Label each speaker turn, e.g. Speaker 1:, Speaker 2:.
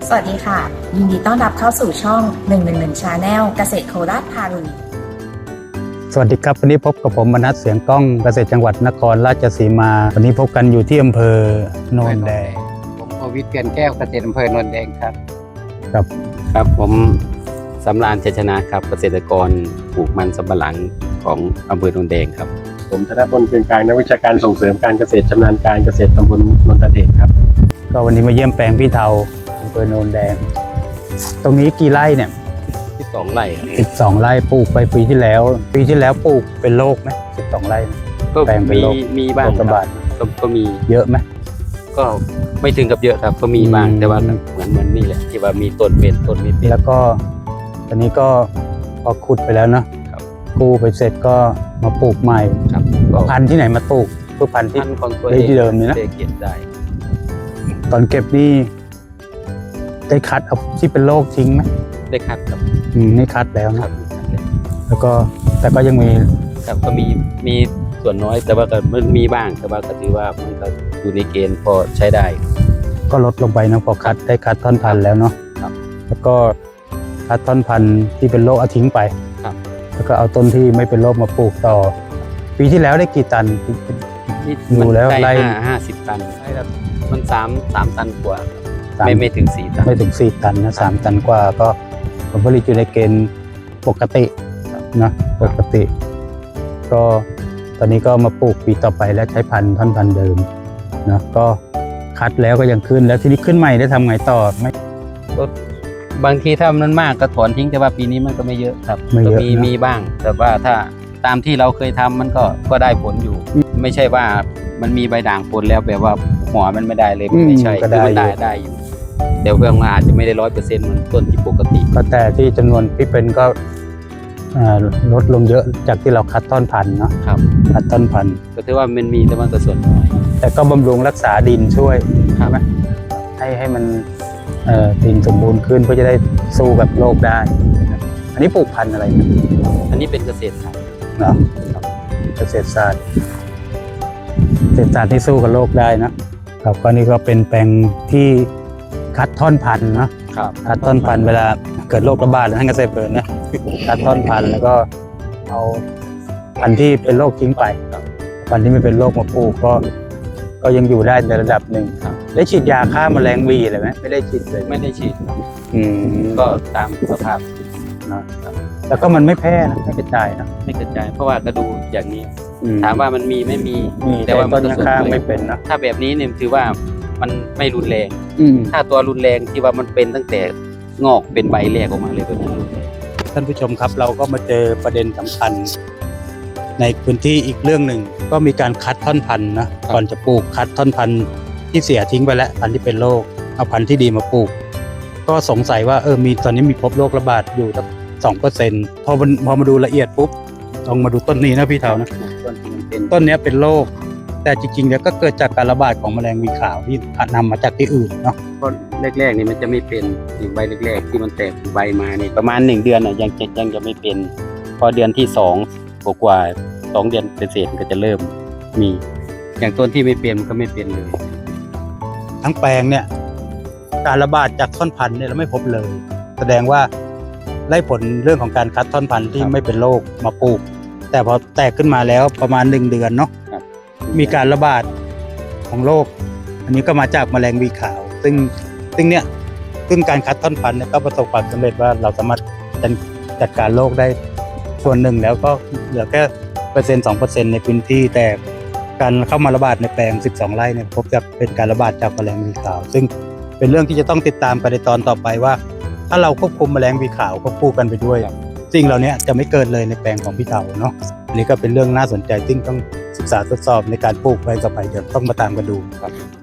Speaker 1: สวัสดีค่ะยินดีต้อนรับเข้าสู่ช่อง111 Channel เกษตรโคราชพาลุย
Speaker 2: สวัสดีครับวันนี้พบกับผมมนัสเสียงกล้องเกษตรจังหวัดนครราชสีมาวันนี้พบกันอยู่ที่อำเภอโนนแดง
Speaker 3: ผมโควิดเกียนแก้วเกษตรอำเภอโนนแดงครับ
Speaker 2: ครับ
Speaker 3: ครับผมสำราญชัยชนะครับเกษตรกรปลูกมันสำปะหลังของอำเภอโนนแดงครับ
Speaker 4: ผมธนพลเพียงกลางนักวิชาการส่งเสริมการเกษตรชำนาญการเกษตรตำบลนนทเดชครับ
Speaker 2: ก็วันนี้มาเยี่ยมแปลงพี่เทาอำเภอโนนแดงตรงนี้กี่ไร่เนี่ย
Speaker 3: 12 ไร่
Speaker 2: 12 ไร่ปลูกไปปีที่แล้วปลูกเป็นโรคไหม12 ไร่
Speaker 3: ก็
Speaker 2: แปลงเป็นโรค
Speaker 3: มีบ้าง
Speaker 2: ระบาด
Speaker 3: ก็มี
Speaker 2: เยอะไหม
Speaker 3: ก็ไม่ถึงกับเยอะครับก็มีบ้างแต่ว่าเหมือนนี่แหละที่ว่ามีต้นเป็นต้นไม่เป็น
Speaker 2: แล้วก็ตอนนี้ก็พอขุดไปแล้วเนาะกู้ไปเสร็จก็มาปลูกใหม่
Speaker 3: ครับ
Speaker 2: พันธุ์ที่ไหนมาปลูกคือพันธุ์ที่เดิมนี่นะ
Speaker 3: เก็บได้
Speaker 2: ตอนเก็บนี่ได้คัดเอาที่เป็นโรคทิ้งไหม
Speaker 3: ได้คัดครับ
Speaker 2: นี่คัดแล้วนะแล้วก็แต่ก็ยังมี
Speaker 3: ครับก็มีส่วนน้อยแต่ว่าก็มันมีบ้างแต่ว่าก็ถือว่ามันก็อยู่ในเกณฑ์พอใช้ได้
Speaker 2: ก็ลดลงไปนะพอคัดได้คัดท่อนพันธุ์แล้วเนาะแล้วก็คัดท่อนพันธุ์ที่เป็นโรคเอาทิ้งไปแล้วก็เอาต้นที่ไม่เป็นโรคมาปลูกต่อปีที่แล้วได้กี่ตัน
Speaker 3: ดูแล้วไร่50 ตันมัน3 ตันกว่าไม่ถึง4 ตัน
Speaker 2: ไม่ถึง4 ตันนะ3 ตันกว่าก็ผลผลิตอยู่ในเกณฑ์ปกตินะปกติก็ตอนนี้ก็มาปลูกปีต่อไปแล้วใช้ท่อนพันธุ์เดิมนะก็คัดแล้วก็ยังขึ้นแล้วทีนี้ขึ้นใหม่ได้ทำไงต่อไม่
Speaker 3: บางทีถ้ามันมากก็ถอนทิ้งแต่ว่าปีนี้มันก็ไม่เยอะครับก็มีบ้างแต่ว่าถ้าตามที่เราเคยทำมันก็ได้ผลอยู่ไม่ใช่ว่ามันมีใบด่างผลแล้วแบบว่าหัวมันไม่ได้เลยไม่ใช่
Speaker 2: ก็
Speaker 3: ได้อยู่เดี๋ยวเรื่องอาจจะไม่ได้100%เหมือนต้นที่ปกติ
Speaker 2: ก็แต่ที่จำนวนที่เป็นก็ลดลงเยอะจากที่เราคัดต้นพันธุ์เนาะคัดต้นพันธุ์
Speaker 3: ก็ถือว่ามันมีแต่มันก็ส่วนน้อย
Speaker 2: แต่ก็บำรุงรักษาดินช่วยใช่ไหมให้มันดินสมบูรณ์ขึ้นเพื่อจะได้สู้กับโรคได้อันนี้ปลูกพันธุ์อะไรนะ
Speaker 3: อันนี้เป็นเกษตรศาสตร์
Speaker 2: เนาะเกษตรศาสตร์ที่สู้กับโรคได้นะครับก็นี่ก็เป็นแปลงที่คัดท่อนพันธุ์นะคัดท่อนพันธุ์เวลาเกิดโรคระบาดท่านเกษตรเปิดนะคัดท่อนพันธุ์แล้วก็เอาพันธุ์ที่เป็นโรคทิ้งไปพันธุ์ที่ไม่เป็นโรคมาปลูกก็ยังอยู่ได้ในระดับหนึ่งได้ฉีดยาฆ่าแมลงวีอะไรไหมไม่ได้ฉีดเลย
Speaker 3: ไม่ได้ฉีดก็ตามสภาพ
Speaker 2: นะแล้วก็มันไม่แพร่นะไม่กระจายนะ
Speaker 3: ไม่กระจายเพราะว่าก็ดูอย่างนี้ถามว่ามันมีไม่มี
Speaker 2: แต่ว่าต้นข้างไม่เป็นนะ
Speaker 3: ถ้าแบบนี้เนี่ยถือว่ามันไม่รุนแรงถ้าตัวรุนแรงที่ว่ามันเป็นตั้งแต่งอกเป็นใบแรกออกมาเลยแบบนั้นรุนแรง
Speaker 2: ท่านผู้ชมครับเราก็มาเจอประเด็นสำคัญในพื้นที่อีกเรื่องหนึ่งก็มีการคัดท่อนพันธุ์นะก่อนจะปลูกคัดท่อนพันธุ์ที่เสียทิ้งไปแล้วพันธุ์ที่เป็นโรคเอาพันธุ์ที่ดีมาปลูกก็สงสัยว่ามีตอนนี้มีพบโรคระบาดอยู่สัก 2% พอมาดูละเอียดปุ๊บลองมาดูต้นนี้นะพี่เทานะต้นนี้เป็นโรคแต่จริงๆแล้วก็เกิดจากการระบาดของแมลงวีขาวที่นำมาจากที่อื่นเนาะ
Speaker 3: ก็แรกๆนี่มันจะไม่เป็นใบแรกๆที่มันแตกใบมานี่ประมาณ1 เดือนยังจะไม่เป็นพอเดือนที่2กว่า2 เดือนเศษก็จะเริ่มมีอย่างต้นที่ไม่เป็นมันก็ไม่เป็นเลย
Speaker 2: ทั้งแปลงเนี่ยการระบาดจากท่อนพันธุ์เนี่ยเราไม่พบเลยแสดงว่าได้ผลเรื่องของการคัดท่อนพันธุ์ที่ไม่เป็นโรคมาปลูกแต่พอแตกขึ้นมาแล้วประมาณ1 เดือนเนาะมีการระบาดของโรคอันนี้ก็มาจากแมลงวีขาวซึ่งการคัดท่อนพันธุ์เนี่ยก็ประสบความสำเร็จว่าเราสามารถจัดการโรคได้ส่วนหนึ่งแล้วก็เหลือแค่1-2% ในพื้นที่แต่การเข้ามาระบาดในแปลง12 ไร่เนี่ยพบจะเป็นการระบาดจากแมลงวีขาวซึ่งเป็นเรื่องที่จะต้องติดตามกันในตอนต่อไปว่าถ้าเราควบคุมแมลงวีขาวควบคู่กันไปด้วยสิ่งเหล่านี้จะไม่เกิดเลยในแปลงของพี่เทาเนาะอันนี้ก็เป็นเรื่องน่าสนใจซึ่งต้องศึกษาทดสอบในการปลูกไปต่อไปเดี๋ยวต้องมาตามกันดู